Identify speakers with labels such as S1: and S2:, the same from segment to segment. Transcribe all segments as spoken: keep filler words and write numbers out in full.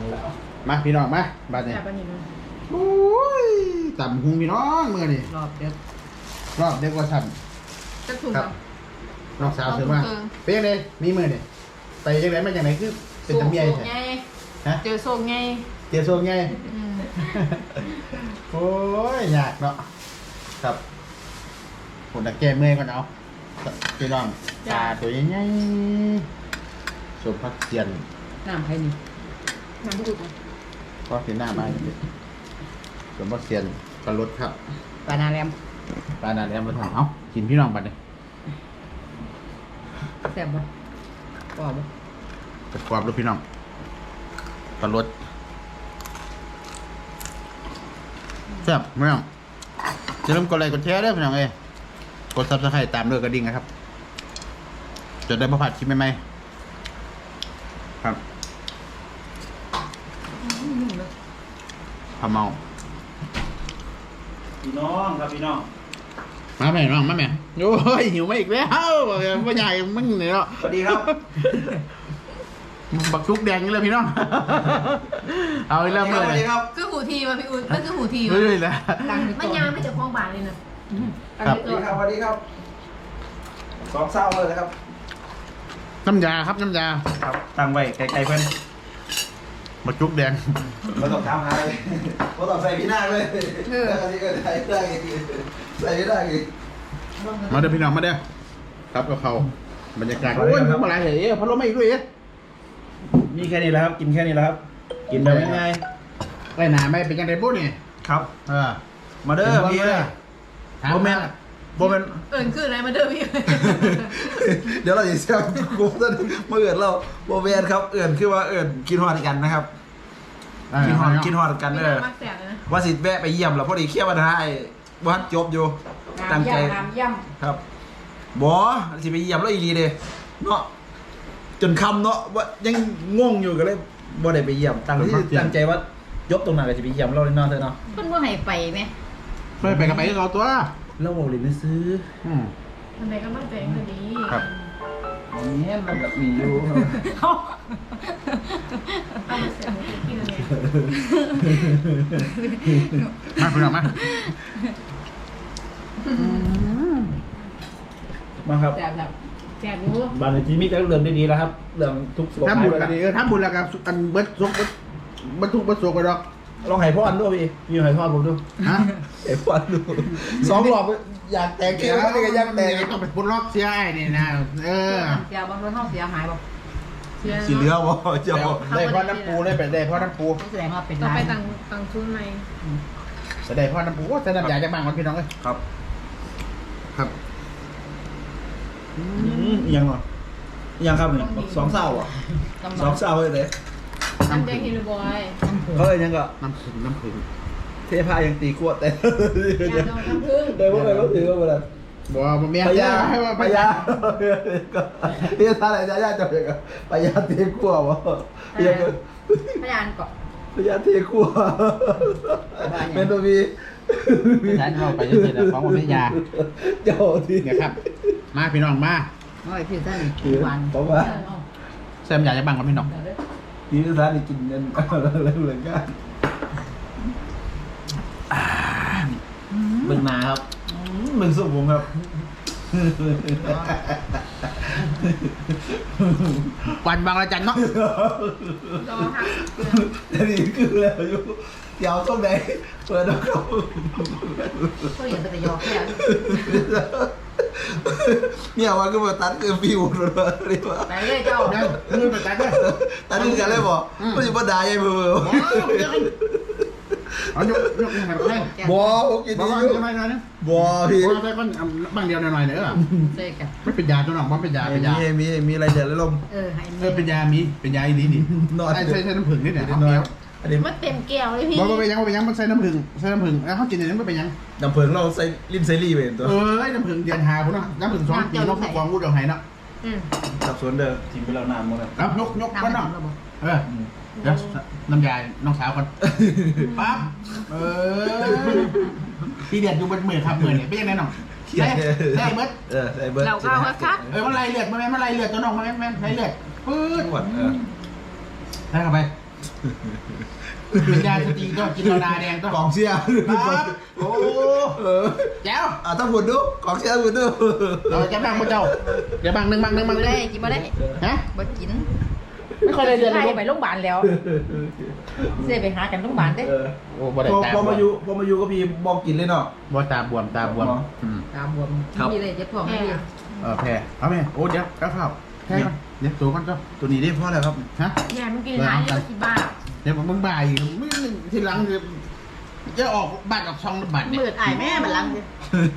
S1: แล้วมาพี่น้องมาบ้านนี้โอ้ยต่ำหุงพี่น้องเมื่อนี่
S2: รอบเด็ก
S1: รอบเด็กว่าฉันครับน้องสาวเสือมาเป็นยังไงมีมือนี่ไปยังไงมาอย่างไรคือเป็นตะเมียใช่
S2: ฮะเจอโซ่ไง
S1: เจอโซ่ไงโอ้ยยากเนาะครับผมตะแกเมื่อยก่อนเอาพี่น้องตาตัวใหญ่ๆสมพักเทียน
S2: น้ำใครนี่น้ำผู้ดู
S1: ก็เสียหน้าบ้านเลยสมพักเทียนกระลดครับ
S2: ปลานาแรม
S1: ปลานาแรมมาทำเอากินพี่น้องบัดเลย
S2: แซ่บบ่กรอบบ่
S1: จะกรอบลูกพี่น้องกระลดแซ่บไม่ต้องจะเริ่มกดไลค์กดแชร์ได้พี่น้องเอ้กดซับสไครต์ตามด้วยกระดิ่งนะครับจะได้มาผัดคลิปใหม่ๆครับพะเมา
S3: พี่น้องครับพี่น้อง
S1: มาแม่น้องมาแม่โอ้ยหิวมาอีกแล้วพ่อใหญ่มึงเนี่ยเนาะ
S3: สวัสดีครับ
S1: บักชุกแดงนี่เลยพี่น้องเอาอีกแล้วเมื่อไหร่
S2: คือหูทีมาพี่อุ้ยมันคือหูที
S1: เฮ้ยแล้ว
S2: มันยามไม่จะคล้องบาทเลยนะครับ
S3: สวัสดีครับสวัสดีครับสองเศร้าเลยนะครับ
S1: น้ำยาครับน้ำยา
S3: ครับตั้งไว้ไกลๆเพื่อน
S1: บักชุกแดง
S3: เราต้องทำอะไรเราต้องใส่พี่หน้าเลยเออใส่ได้ใส่ไม่ได้
S1: มาเด้อพี่น้องมาเด้อครับกับเขาบรรยากาศโอ้ยมาอะไรเหรอพัดลมไม่อีกด้วยเอ๊ะ
S3: มีแค่นี้แหละครับกินแค่นี้แหละครับกินแบบง่าย
S1: ๆไอ้หนาไม่เป็นยังไงปุ๊บนี่
S3: ครับเออมาเด้อพี่โบแมนโบแมน
S2: เอิญคืออะไรมาเด้อพี่
S3: เดี๋ยวเราจะเชื่อกูต้นมาเอิญเราโบแมนครับเอิญคือว่าเอิญกินหอดกันนะครับกินหอดกินหอดกันเด้อว่าสิแวะไปเยี่ยมแล้วพอดีเคี่ยวมาได้วัดจบอยู่ตั้งใจครับบอสิไปเยี่ยมแล้วอีรีเลยเนาะจนคำเนาะว่ายังง่วงอยู่ก็เลยบ่ได้ไปเยี่ยมตั้งที่ตั้งใจว่ายกตรงนั้นก็จะไปเยี่ยมเราเลยเนาะเธอเนาะ
S2: เพิ่นบ่ให้ไปไหม
S1: ไม่ไปก็ไปก็เอาตัว
S3: เราบอกเลยไม่ซื้อ
S1: อืม
S2: ทำไมก็ไม่เป็นก็ดี
S1: ครับ
S3: เนี่ยมันแบบมีอยู่
S2: เอาเสียงกินเลย
S1: มาคุณหน่อยมา
S3: มาครับ
S2: แซ่บแบบแซ่บรู้
S3: บานจีมิก็เรื่องได้ดีแล้วครับเรื่องทุก
S1: สุขภาพทำบุญกันดีเออทำบุญแล้วกันอันเบิร์ดสุกเบิร์ดทุกเบิร์ดสุกกันหรอก
S3: ลองไห่พ่ออันด้วยพี่พี่ไห่พ่อผมดูฮะไห่พ่ออันดูสองรอบอยากแต่งเกี่ยวไม่ได้ก็ยังแต่ง
S1: ต้องเป็นปุ่นรอบเสียไอ้นี่นะเออ
S2: เสียบางคนห้องเสียหายบอก
S3: สีเหลืองบ่เจ้า
S1: ได้พ่อน้ำปูได้ไปได้พ่อน้ำปู
S2: แสดงว่าเป็นต้องไปตังตังชุนไหม
S1: แสดงพ่อน้ำปูว่าแสดงใหญ่จะบ้างคนพี่น้องเลย
S3: ครับ
S1: ครับ
S3: ยังเหรอยังครับนี่สองเศร้าอ่ะสองเศร้าเลย
S2: น้ำแดงฮิลบอย
S3: เขาเลยยังก็
S1: น้ำผึ้งน้ำผึ้ง
S3: เทพายังตีขวดแต่
S2: น้ำผึ้ง
S3: เดี๋ยวพวกเราถือว่าอะไร
S1: บอกว่าเมีย
S3: พยาพยาเรียกท่าอะไรจะยากจังเลยพยาตีขวดวะ
S2: พยานเกาะ
S3: พยาตีขวดเป็นตัวมี
S1: ไม่ใช่เข้าไปเฉยๆฟ้องว่าไม่ยา
S3: เจ้าที่
S1: เนี่ยครับมาพี่น้องมา
S2: โอ้ยพี่ท่านวัน
S3: บอกว่า
S1: แซมอยากจะบังกับพี่น้อง
S3: พี่ท่านกินเงินเรื่องเรื่องกันมึงมาครับมึงสุกผมครับ
S1: วันบางระจันเนาะ
S3: แต่นี่คือแล้วอยู่เดี๋ยวต้องไหนเปิดแล้วก็
S2: ก็อย่างเป็นยอแค่
S3: เนี่ยว่าก็มาตัดคือฟิวเลยว่า
S2: ไปเลยเจ้า
S1: เนี่ยมือไปตัดเลย
S3: ตัดนี่กันเลยบอกมันจะมาด่ายัยมือ
S1: เอายกยกยังไงบ้าง
S3: บอผมกินดีอยู่
S1: ทำไมนะ
S3: บอพี่
S1: บอใส่ก้อนบางเดียวหน่อยๆเนอะ
S2: ใช่กัน
S1: ไม่เป็นยาตัวหนองว่าเป็นยาเป็นยา
S3: มีมีมีอะไรเดือดลม
S2: เออ
S1: เออเป็นยามีเป็นยาอีนี้นี่ใส่ใส่น้ำผึ้งนี่เนี่ยน้อย
S2: มันเต็มแก้วเลยพี่
S1: บอกว่าไปยังว่าไปยังมันใส่น้ำผึ้งใส่น้ำผึ้งแล้วเขากินอย่างนี้มันไปยัง
S3: น้ำผึ้งเราใส่ลิ้นใส่รี่ไปตัว
S1: เออน้ำผึ้งเดือนหาพุ่นเนาะน้ำผึ้งสองปีน้องกองกูเดือดหายเนาะ
S3: สับสนเด้อทีมไปแล้วนานหมดแล้ว
S1: ครับยกยกก้อนเนาะเออเดี๋ยวน้ำยาน้องสาวก่อนปั๊บเออพี่เดือดดูเบิดมือครับมือเนี่ยเป็นยังไงน้องใส่ใส่เบิด
S3: เออใส่เบิด
S2: เราเข้าครับ
S1: เออมันไรเลือดมันไม่มันไรเลือดตัวน้องมันไม่ไม่ไรเลือดปื๊ด
S3: เออ
S1: ได้เข้าไปกินยาสติก็กินโซดาแดงก็
S3: กองเชียร์
S1: ครับโอ้
S3: เออ
S1: แจ๋ว
S3: อ่ะถ้าพูดดูกองเชียร์พูดดู
S1: เราจะบังพระเจ้าเดี๋ยวบังหนึ่งบังหนึ่งบังห
S2: บ่
S1: นึ่
S2: ได้
S1: ง
S2: กินบ่ได้
S1: ฮะ
S2: บ่กิน
S1: ไม่ค่อยได้เดือน
S2: ไล่
S1: เลย
S2: ไปโรงพยาบาลแล้วเสียไปหากันโรงพยาบาลเด้
S3: เออ
S1: โอ้บ่ได้
S3: พอ
S1: ตา
S3: พอมาอยู่พอมาอยู่ก็พี่บอกกินเลยเนาะ
S1: บ่ตาบวมตาบวมอืม
S2: ตาบวม
S3: ครับ
S2: มีเลยเจ็บท้องไม่ดี
S1: เออแพ้เอาไหมโอ้เดี๋ยวกระเพราแพ้ก่อนเดี๋ยวตัวก่อนก็
S3: ตัวนี้ได้เพราะอะไรครับ
S1: ฮะ
S2: แย่มันกินหานี่ก็สิบ้า
S1: เดี๋ยวมึงบ่ายมึงทีหลังจะจะออกบัตรออกช่องบัตรเนี่ย
S2: มืดอายแม่มันลังเด้อ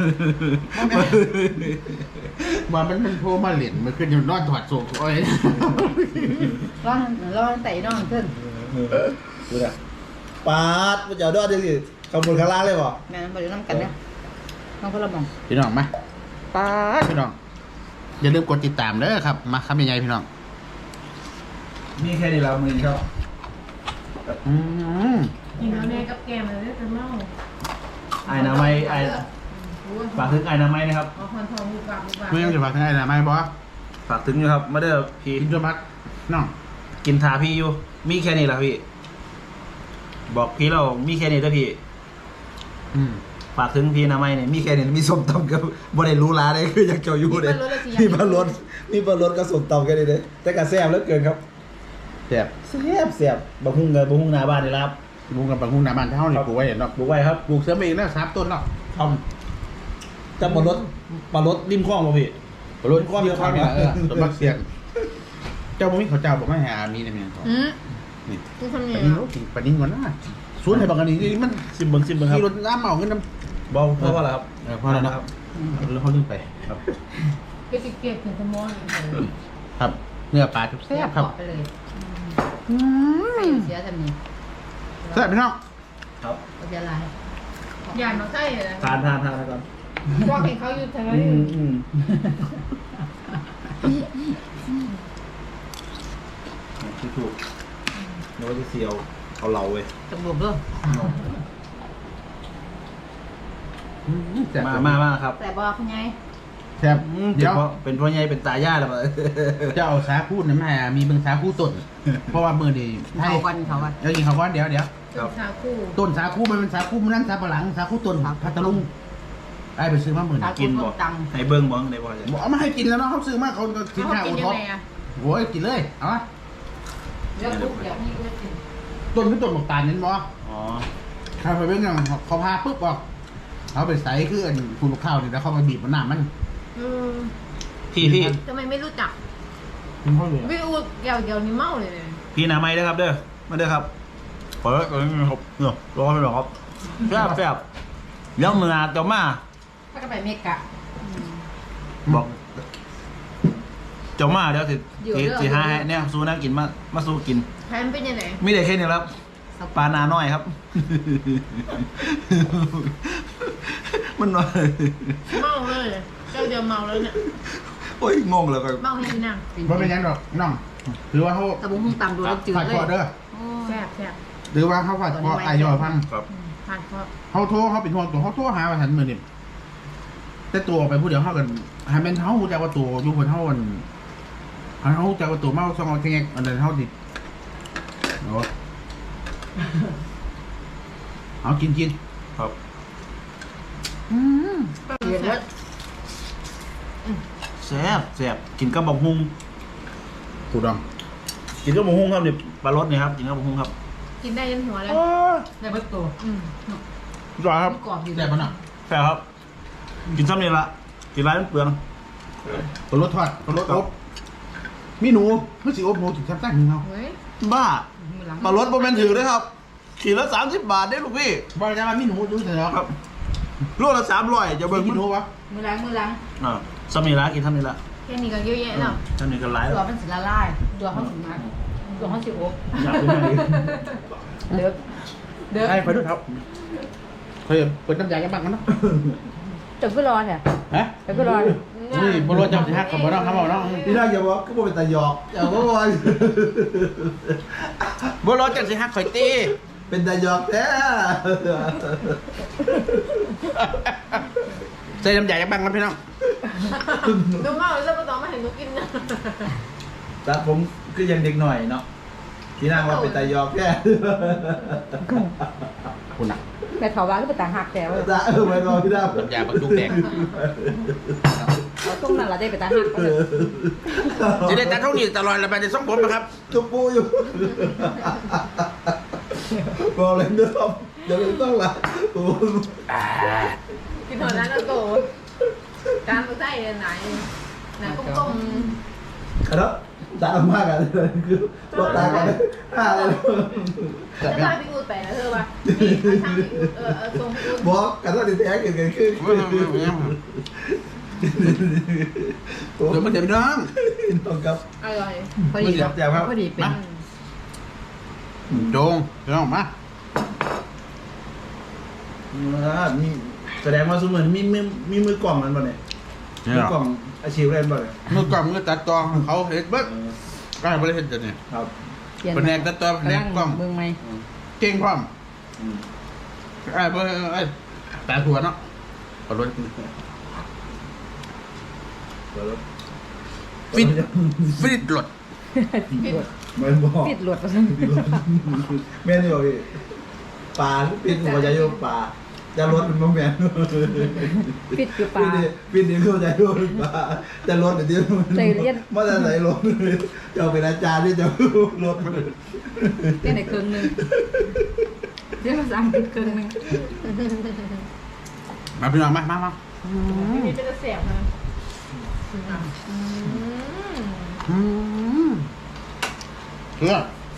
S1: ว่ามันมันโทรมาเหรียญมันขึ้นอยู่นอนถอดโซ่โอ้ย
S2: ร้อนร้อนใส่น้องขึ้น
S3: ดูนะปาดมันจะเอาด้วยดิสิขบวนข้างล่างเลยบ่
S2: แม่นบ่ได้นํกันเด้อน้องพลมอง
S1: พี่น้องมาป้าดพี่น้องอย่าลืมกดติดตามเด้อครับมาครับยังไงพี่น้อง
S3: มีแค่นี้เรามือครับ
S1: อืม
S4: กินแล้วเนี่ยกับแกมเลยจะเมา
S3: ไอ้น้ำไม้ไอ้ฝากถึงไอ้น้ำไม้นะครับ
S4: เอาคอนทองบุกบักบุกบัก
S1: มึงยังจะฝากทางไหนนะไม่บอส
S3: ฝากถึงอยู่ครับมาเด้อพี่
S1: กินจนพักน้อง
S3: กินทาพี่อยู่ มีแค่นี้แหละพี่ บอกพี่เรามีแค่นี้เด้อพี่
S1: อืม
S3: ฝากถึงพี่น้ำไม้เนี่ยมีแค่นี้มีส้มตำกับบ่ได้รู้ร้านเลยคืออยากเจ้าอยู่เลยมีปลารสมีปลารสกับส้มตำแค่นี้เลยแต่กระแซ่บเหลือเกินครับ
S1: แซ่บ
S3: แซ่บแซ่บบะฮุ่งเงินบะฮุ่งหน้าบ้านนี่ละครับ
S1: ลุงกับปังหุงหน้าบ้านเท่านี่ปลูกไว้เห็นเนาะ
S3: ปลูกไว้ครับ
S1: ปลูกเสริมเองแล้วสามต้นเนาะท
S3: จะปลารสปลารสริมคลองป่ะพี่
S1: ำรถข้อมีข้อมีเออต้นบักเสียงเจ้าบ่มีเขาเจ้าบอกไม่หามีในเมียน
S2: อืม
S1: นี่
S2: กูทำ
S1: ป
S2: นี่
S1: นินโอ้กินปนินก่อนนะสวนให้บักอันนี้มัน
S3: ซิมเบิ้งซิมเบิ้งครับ
S1: ขี่รถน้ำเมาเงินน้
S3: เบาเพราะว่าอะไรครับ
S1: ำเออพอแล้วเนาะแล้วเขาลืมไป
S3: ครับ
S4: เก็บเก็บถึงสมองอีกเลย
S1: ครับเนื้อปลาทุก
S2: แซ่
S1: แซ่
S2: บบ
S1: ครับ
S2: ไปเลย
S1: อืม
S2: เสียทำนี่
S1: แซ่บพี่น้อง
S3: ครับ
S2: ก็จะลาย
S4: อย่ามาใส่เลย
S3: ทานทานทานนะครับ
S4: พวกเห็นเขาอยู่ทางนั้
S3: อื
S4: น
S3: มอืมที่ถูกนึกว่าจะเสียวเอาเหลาเว้ย
S2: จมูกด้วย
S1: อืมแซ่บ
S3: มามามาครับ
S2: แต่บอกคุณยาย
S1: แซ่บ
S3: อืม
S1: เดี๋ยว
S3: เป็นพ่อใหญ่เป็นตาย่าแล้วมั้
S1: จะเอาสาคูน้ำแห่มีเบิ่งสาคูต้น เพราะว่ามือดีให้
S2: เขากันเขากัน
S1: เดี๋ยวยิงเขาก้อนเดี๋ยวเดี๋ยว
S4: เป็นชาคู่
S1: ต้นสาคูมันเป็นสาคูมันนั่นสาปะหลังสาคูต้นพัทลุงไอ้ไปซื้อมาหมื่น
S2: ตา
S3: กิ
S2: กิ
S3: น
S2: น
S3: บ่
S2: ตัง
S3: ให้เบิ้งบ้างได้บ่จะ
S1: บอกเอามาให้กินแล้วเนาะเขาซื้อมาเขาก็กิน
S4: เขา
S1: ข้าว
S4: กิน
S1: ท็
S4: ยั
S1: อง ป
S4: ไงอ่ะ
S1: โอ้ยกินเลยเอามา
S2: เดี๋ยวปุ๊บเดี๋ยวพี่ก็กิน
S1: ต้นคือต้นหมกตาลเน้นบ่
S3: อ๋อ
S1: ข้าวไปเป็นอย่างเขาพาปุ๊บออกเขาไปใส่คืออันคุณข้าวนี่แล้วเขาไปบีบมันน้ำมัน
S4: อืม
S3: พี่พี่
S4: ทำไมไม่รู้จัก
S1: มันเขาเลย
S4: วิวเกี่ยวเกี่ยวนี่เมาเลยเลย
S3: พี่นาไม้ด้วยครับเด้อมาเด้อครับเปิดเปิดครับเนาะรอไปหรอครับแซ่บแซ่บเดี๋ยวมือหนาเจ้ามา
S2: ถ้าก็ไปเมกะ
S3: บอกเจ้ามาเดี๋ยวสิสิสิหาให้เนี่ยสู้นะกินมามาสู้กิน
S4: แทนเป็นยังไง
S3: ไม่ได้แค่นี้ครับปลานาน้อยครับ มันน้อย
S4: เมาเลยเจ้าเดียวเมาแล้วเนี่ย
S3: โอ้ยงงเลยครับ
S4: เมาให้พี่นั่ง
S1: มันเป็นหยังดอกน้องหรือว่าเขา
S2: ตะบุ้งหุ้งตำดูแล้วจืด
S1: ผัด
S2: เล
S1: คอย เด้อ
S4: แซ่บแซ่บ
S1: หรือว่าเขาผัดคอไอยอพัง
S3: ครับ
S4: ทานเพราะ
S1: เขาโทรเขาเป็นห่วงตัวเขาโทรหาว่าฉันมือนี่แต่ตัวไปผู้เดียวเขากันให้เป็นเขาหูจักว่าตัวอยู่บนเขาอันให้เขาหูจักว่าตัวเมาซองเอาแงกอันนั้นเขาดิโอ้เอากินกิน
S3: ครับ
S1: อืม
S2: เดือดแล้ว
S3: แซ่บแซ่บกินกับบักฮุง
S1: ถูกต้อง
S3: กินกับบักฮุงครับเนี่ยปลารสเนี่ยครับกินกับบักฮุงครับ
S4: กินได้ยันหัวเลย
S2: ในเบิร์ตตัว
S4: อืม
S3: รอครับ
S2: กรอบอยู่
S1: ได้ปะเนาะ
S3: แซ่บครับ กินซ้ำนี่ละกินไรมันเปลือง
S1: ตัวรถทอดตัวรถอบมีหนูไม่สิอบหนูถึงชั้นตั้งหนึ่งเขา
S4: เฮ้ย
S3: บ้า
S2: มือหลัง
S3: ปลารสโมเมนถือด้วยครับขีดละสามสิบบาทได้ลูกพี่
S1: บอกจะมามีหนูดูเถอะ
S3: ครับลูกละสามร้อยจะ
S1: เบิ่
S3: เบิ่
S1: ง
S3: ง
S1: มีหนูวะ
S2: มือหลังมือหลัง
S3: อ่าซ้ำนี่ละกินซ้ำนี่ละ
S4: แค่นี้ก็เยอะแยะแล้ว
S3: ซ้ำนี่ก็หลาย
S2: ตั
S3: แล้ว ว
S2: มันสิละลายตัวเขาสิมาตัวเขาสิโอ๊บ
S3: อยากกินอะไรอีก
S2: เดือดเดือด
S1: ไอ้ไปดูเท้าเคยเปิดน้ำยาแก้บ้างกันเนาะ
S2: จังก็รอเนี่ย
S1: ฮะ
S2: จังก็รอ
S1: นี่บรถจะหักกับบ่น้องครับบ่น้อง
S3: พี่น่าอย่าบอกก็บอกเป็นตาหยอกอย่าบอกว่า
S1: บรถจะสิหักข่อยตี
S3: เป็นตาหยอกแท้
S1: ใส่น้ำยาแก้บ้างกันพี่น้อง
S4: ดูเมาแล้วก็ต้องมาเห็นหนูกินนะ
S3: แต่ผมคือยังเด็กหน่อยเนาะพี่นางว่าเป็นตายอกแค่
S1: คุณอ่ะ
S2: แต่เขาว่าก็เป็นต่างหักแต่ว่า
S3: จ้าเออไม่รอพี่นาง
S1: น้ำยาบรรจุแดง
S2: เราต้องนั่นเราได้เป็นต่างหักก็เลย
S1: จะได้แต่เท่านี้ตลอดเลยไปในส่งผมนะครับ
S3: จุบปูอยู่บอกเลยเด้อเดี๋ยวไม่ต้องละโอ้
S4: กินหัวนั้นแล้วโตการมาใส่ไหนไหนก้ม
S3: ครับตามมากกันเลยคือรถตากันห้าเลย
S4: ๆแล้วถ้าพี่อูดไปนะเธอว่าพี่ทางพี่อูดเออเออตรงพี่อูด
S3: บอกกันว่าติดแท็กกันขึ้น
S1: เดี๋ยวมันเดี๋ยวน้อง
S3: น้องครับ
S4: อร่อย
S2: พอดี
S3: แจ๋วครับ
S2: พอดีเป็น
S1: โจงน้องมา
S3: นี่แสดงว่าสมมติมีมือมีมือกล่องมันบ่เนี่ย
S1: เนี่ย
S3: มือกล่องอาชีพเล่นบ่เนี่ย
S1: มือกล่องมือตัดต่อเขาเห็นเบิ้ลก็ให้บริเห็นจะเนี่ย
S3: ครับ
S1: แผนกตัดต่อแผนกกล้อง
S2: เบิ่งไหม
S1: เก่งพร้อมไอ้เบิ้ลไอ้ตาถั่วเนาะขอรถฟิตฟิตหลด
S3: เหมือนบอก
S2: ปิดหลวด
S3: แม่นี่บอกพี่ปลาปิดหัวใจโยปลาจะลดเป็นโมแมน
S2: ปิดคือปลา
S3: ปิดนี่คือใจโยปลาจะลดเดี๋ยว
S2: ใจเรียน
S3: เมื่อไหร่ลดจะเป็นอาจารย์ที่จะลด
S2: แค่ไหนครึ่งหนึงเรียกภาษาอังกฤษครึ่งหนึง
S1: มาพี่น้องมามามา
S4: พี่นี่เป็นเสียงนะ
S1: อืมเชื่อ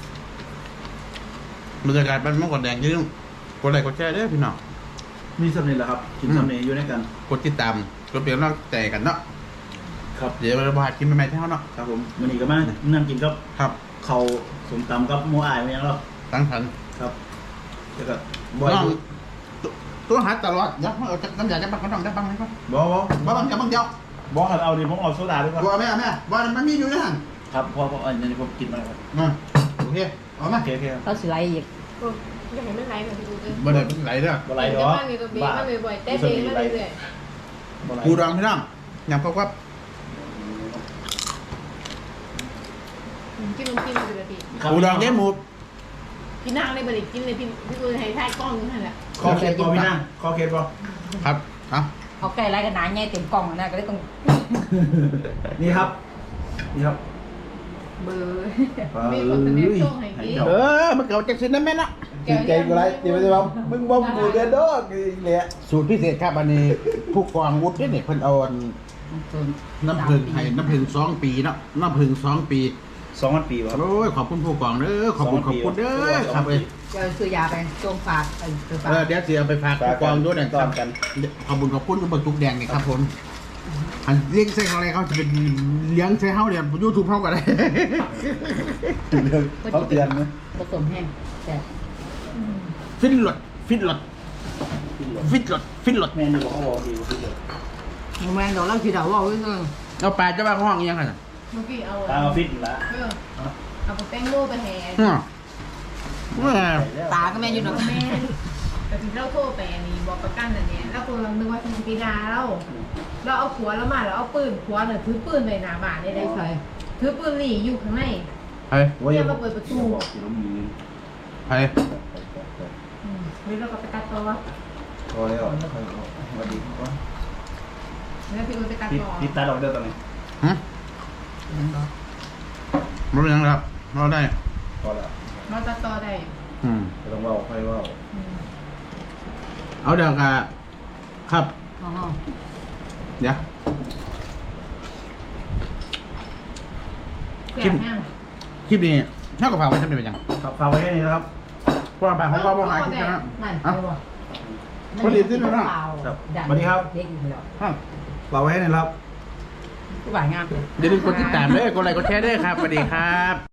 S1: บรรยากาศบ้านมังกรแดงอยืมกดไลค์กดแชร์เด้อพี่น้อง
S3: มีสำเนียงเหรอครับกินสำเนียงอยู่ในกัน
S1: กดติดตามกดเปลี่ยนน้องใจกันเนาะ
S3: ครับ
S1: เดี๋ยวเราบาดกินใหม่ๆที่เขาเนาะ
S3: ครับผมวันนี้ก็มานั่งกินครับ
S1: ครับ
S3: เขาสมตำกับโมอายมายังหรอ
S1: ตั้งทัน
S3: ครับแล้วก็บอย
S1: น้อง
S3: ดู
S1: ตัวตัวหาตลอดเดี๋ยวเอาจากน้ำยาจะบังเขาต้องได้บังไหมครับ
S3: บอบอ
S1: บังบังจะบังเดียว
S3: บอครับเอาดิผมเอาโซดาด้วยครับ
S1: บัวแม่แม่บัวมันมีอยู่ในหัน
S3: ครับเพราะเพราะอันนี้ผมกินมาแล้วครับ
S1: มาโอเคเอามา
S3: โอเคโอเคครับ
S2: เขาสิไลอีก
S4: จะเห็นไม่ไรเหมือนพี่อูดเลย
S1: บ่ได้เป็นไหลเด้อ
S3: บ่ไร
S4: เดี๋
S3: เนาะ
S4: ยวมันมีตัวบีมันมีบ่อยเต้เต้มันเรื่อย
S3: บ่ไร
S1: ปูดองพี่น้องยำข้าวครับ
S4: กินนมกินมาเลยพี่
S1: ปูดองเย้หมู
S4: พี่นางในบริกินเลยพี่พี่อูดให้ท่ายกล้องนั่นแหละ
S3: คอเคสบอพี่นั่งคอเคสบอ
S1: ครับเอา
S2: เขาใกล้ไรกันหนาใหญ่เต็มกล่องนะก็เลยต้อง
S3: นี่ครับนี่ครับ
S2: เบอร์
S4: มีคนเสนอช่วงให้กิน
S1: เออมันเก่าจากสินนั่นแม่นะ
S3: กินใจกูไรตีไปสิครับมึงบ่กูเดือดดอกเลย
S1: สูตรพิเศษครับอันนี้ผู้กองวุฒิเนี่ยเพิ่นเอาอันน้ำผึ้งให้น้ำผึ้งสองปีเนาะน้ำผึ้งสองปี
S3: สองพันปีวะ
S1: โอ้ยขอบคุณผู้กองเด้อขอบคุณขอบคุณเด้อครับเอ้ย
S2: จะซื้อยาไปจงฝากเออซื้อฝาก
S1: เออเดี๋ยวเสียไปฝากผู้กองด้วยนะค
S3: ตอ
S1: รับ
S3: นกัน
S1: ขอบคุณขอบคุณทุกบักทุกแดงนี่ครับผมอันเลี้ยงใส่อะไรเขาจะเป็นเลี้ยงใส่เฮาเดี๋ยวยูทูบเฮากันเลย
S3: เขาเตือนไหม
S2: ผสมแห้งแต่
S1: ฟิตหลดฟิตหลดฟิตหลดฟิตหลด
S3: แม่นี่บอกเขาบอกดีว่าดีเลย
S2: แมงดอกเราขีดาวว่าเว้ย
S1: เอาปลาจะมาห้องยังไง
S4: เมื่อกี้เอา
S3: ตามมาฟิตละ
S4: เอาแป้งโม่ไปแห่
S1: ฮะแม่
S2: ตาก็แม่อยู่ดอก
S4: แม่แต่ถึงเราโทรไปอันนี้บอกประกันอันเนี้ยแล้วคนเรานึกว่าเป็นปีดาเราเราเอาผัวแล้วมาแล้วเอาปืนผัวเนี่ยถือปืนในหน้าบ้านได้
S2: ได้
S4: ได้
S2: ใส่
S4: ถือปืนหลีอยู่ข้างใน
S1: เฮ้ย
S3: ว่าอย่าบอก
S1: เฮ้ย
S4: อืมเฮ้ยเราก็ไปตัดต่อ
S3: พอแล้วสวัสดี
S4: แล้วพี่อุ้ยไปตัด
S3: พี่
S4: ต่อ
S3: พี่ตาดอกเดียวตอนนี้
S1: ฮะมันเป็นยังไงครับเราได้
S3: พอแล้ว
S4: เราตัดต่อได้
S1: อืม
S3: ไม่ต้องว่าค่อยว่า
S4: อืม
S1: เอาเดี๋ยวกะครับ
S2: อ๋อ
S1: เดี๋ยว
S4: แก่แห้ง
S1: คลิปนี้เท่ากับฝากไว้ทำเป็นยัง
S3: ครับฝากไว้แค่นี้นะครับ
S1: เพราะว่าฝากของเราบ่หายคลิปนะ
S2: นั่น
S1: อ่ะ
S2: เอาบ่
S1: พอดีขึ้นแล้วเนาะ
S3: สวัสดีครับ
S2: เด็กอยู่แล้ว
S1: ฮะ
S3: ฝากไว้ให้หนะครับ
S2: ผู้บ่ายงามเลย
S1: อย่าลืมกดติดตามด้วยกดไลค์กดแชร์ด้วยครับสวัสดีครับ